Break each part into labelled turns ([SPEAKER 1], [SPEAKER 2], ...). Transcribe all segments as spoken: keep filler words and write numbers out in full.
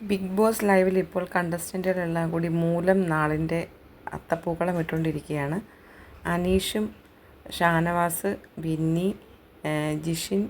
[SPEAKER 1] Big boss ലൈവിൽ ഇപ്പോൾ കണ്ടസ്റ്റൻറ്റുകളെല്ലാം കൂടി മൂലം നാളിൻ്റെ അത്തപ്പൂക്കളം ഇട്ടുകൊണ്ടിരിക്കുകയാണ്. അനീഷും ഷാനവാസ്, ബിന്നി, ജിഷിൻ,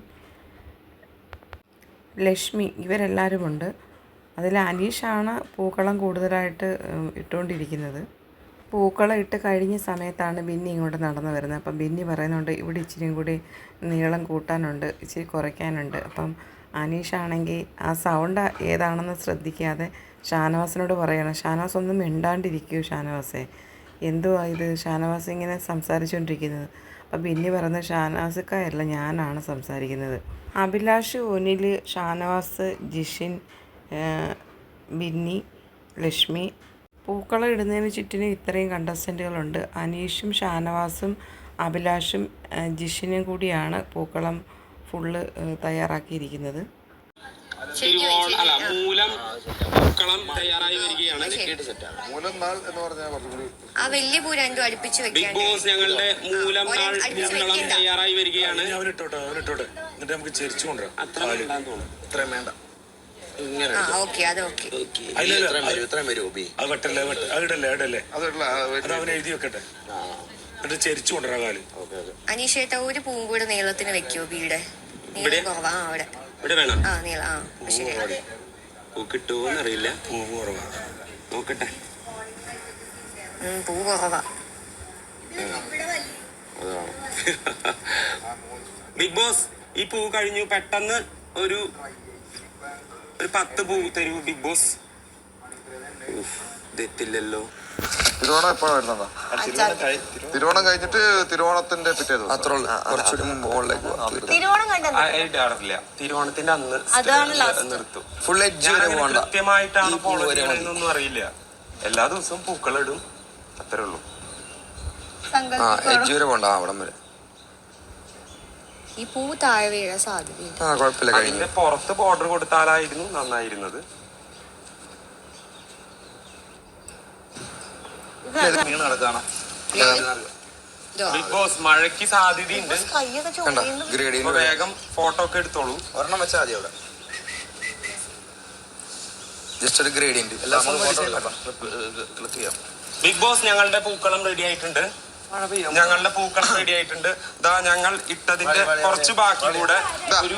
[SPEAKER 1] ലക്ഷ്മി ഇവരെല്ലാവരുമുണ്ട്. അതിൽ അനീഷാണ് പൂക്കളം കൂടുതലായിട്ട് ഇട്ടുകൊണ്ടിരിക്കുന്നത്. പൂക്കളം ഇട്ട് കഴിഞ്ഞ സമയത്താണ് ബിന്നി ഇങ്ങോട്ട് നടന്നു വരുന്നത്. അപ്പം ബിന്നി പറയുന്നുണ്ട് ഇവിടെ ഇച്ചിരിയും കൂടി നീളം കൂട്ടാനുണ്ട്, ഇച്ചിരി കുറയ്ക്കാനുണ്ട്. അപ്പം അനീഷാണെങ്കിൽ ആ സൗണ്ട് ഏതാണെന്ന് ശ്രദ്ധിക്കാതെ ഷാനവാസിനോട് പറയണം, ഷാനവാസ് ഒന്നും മിണ്ടാണ്ടിരിക്കൂ ഷാനവാസേ, എന്തുവാ ഇത് ഷാനവാസ് ഇങ്ങനെ സംസാരിച്ചുകൊണ്ടിരിക്കുന്നത്. അപ്പം ബിന്നി പറയുന്നത് ഷാനവാസിക്കായല്ല, ഞാനാണ് സംസാരിക്കുന്നത്. അഭിലാഷ്, ഒനിൽ, ഷാനവാസ്, ജിഷിൻ, ബിന്നി, ലക്ഷ്മി പൂക്കളം ഇടുന്നതിന് ചുറ്റിനും ഇത്രയും കണ്ടസ്റ്റൻറ്റുകളുണ്ട്. അനീഷും ഷാനവാസും അഭിലാഷും ജിഷിനും കൂടിയാണ് പൂക്കളം ഫുള്ള് തയ്യാറാക്കിയിരിക്കുന്നത്.
[SPEAKER 2] മൂലം പൂക്കളം തയ്യാറായി വരികയാണ്. ബിഗ് ബോസ് ഞങ്ങളുടെ മൂലം നാൾ പൂക്കളം തയ്യാറായി വരികയാണ്.
[SPEAKER 3] നമുക്ക് ചെരിച്ചു കൊണ്ടുവരാം. അത്രയും വേണ്ട. എഴുതി വെക്കട്ടെ, എന്നിട്ട് ചെരിച്ചു കൊണ്ടുവരാ കാല്.
[SPEAKER 4] അനീഷേട്ട ഒരു പൂവും കൂടെ നീളത്തിന് വെക്കോ? വീട് നീളം കുറവാ അവിടെ.
[SPEAKER 2] ഇവിടെ വേണം.
[SPEAKER 4] ആ നീളം. ആ ശരി.
[SPEAKER 2] പൂ കിട്ടുമോന്നറിയില്ല.
[SPEAKER 3] പൂ കുറവാ,
[SPEAKER 2] നോക്കട്ടെ.
[SPEAKER 4] പൂ കുറവാ.
[SPEAKER 2] ബിഗ് ബോസ് ഈ പൂ കഴിഞ്ഞു, പെട്ടെന്ന് ഒരു ഒരു പത്ത് പൂ തരൂ ബിഗ് ബോസ്. ഇതെത്തില്ലല്ലോ.
[SPEAKER 5] തിരുവോണം എപ്പോഴാണ് വരുന്നതാ? തിരുവോണം കഴിഞ്ഞിട്ട് തിരുവോണത്തിന്റെ പിറ്റേ ദിവസം
[SPEAKER 2] തിരുവോണത്തിന്റെ അന്ന് നിർത്തും.
[SPEAKER 5] ഫുൾ എഡ്ജ്
[SPEAKER 2] കൃത്യമായിട്ടാണ് ഫോളോ ചെയ്യണമെന്നൊന്നും അറിയില്ല. എല്ലാ ദിവസവും പൂക്കളിടും, അത്രേ ഉള്ളൂ.
[SPEAKER 5] എഡ്ജ് വരെ പോണ്ട, അവിടം വരെ.
[SPEAKER 4] ഈ പൂ താഴെ വീഴാൻ സാധ്യതയുണ്ട്.
[SPEAKER 5] ആ കുഴപ്പമില്ല.
[SPEAKER 2] അതിന്റെ പുറത്ത് ബോർഡർ കൊടുത്താലായിരുന്നു നന്നായിരുന്നത്. ബിഗ് ബോസ് മഴയ്ക്ക് സാധ്യതയുണ്ട്. വേഗം ഫോട്ടോ ഒക്കെ എടുത്തോളൂ.
[SPEAKER 5] ഒരെണ്ണം വെച്ചാൽ മതി അവിടെ. ജസ്റ്റ് ഒരു ഗ്രേഡിയന്റ്.
[SPEAKER 2] ബിഗ് ബോസ് ഞങ്ങളുടെ പൂക്കളം റെഡി ആയിട്ടുണ്ട്. ഞങ്ങളുടെ പൂക്കളം റെഡി ആയിട്ടുണ്ട്. ദാ ഞങ്ങൾ ഇട്ടതിന്റെ കുറച്ച് ബാക്കി കൂടെ ഒരു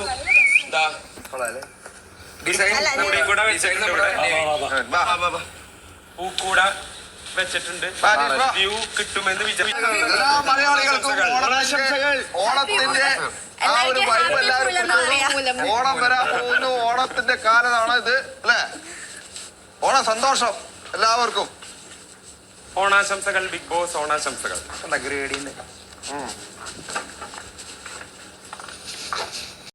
[SPEAKER 2] കൂടെ വെച്ചിട്ടുണ്ട്. പൂക്കൂട വെച്ചിട്ടുണ്ട്. വ്യൂ കിട്ടുമെന്ന്
[SPEAKER 5] മലയാളികൾക്കും ഓണത്തിന്റെ ആ ഒരു വൈബ് എല്ലാവരും. ഓണം വരാൻ പോകുന്നു, ഓണത്തിന്റെ കാലമാണ് ഇത് അല്ലേ? ഓണ സന്തോഷം എല്ലാവർക്കും.
[SPEAKER 2] ഓണാശംസകൾ ബിഗ് ബോസ്, ഓണാശംസകൾ.
[SPEAKER 5] ഗ്രേഡിന്ന്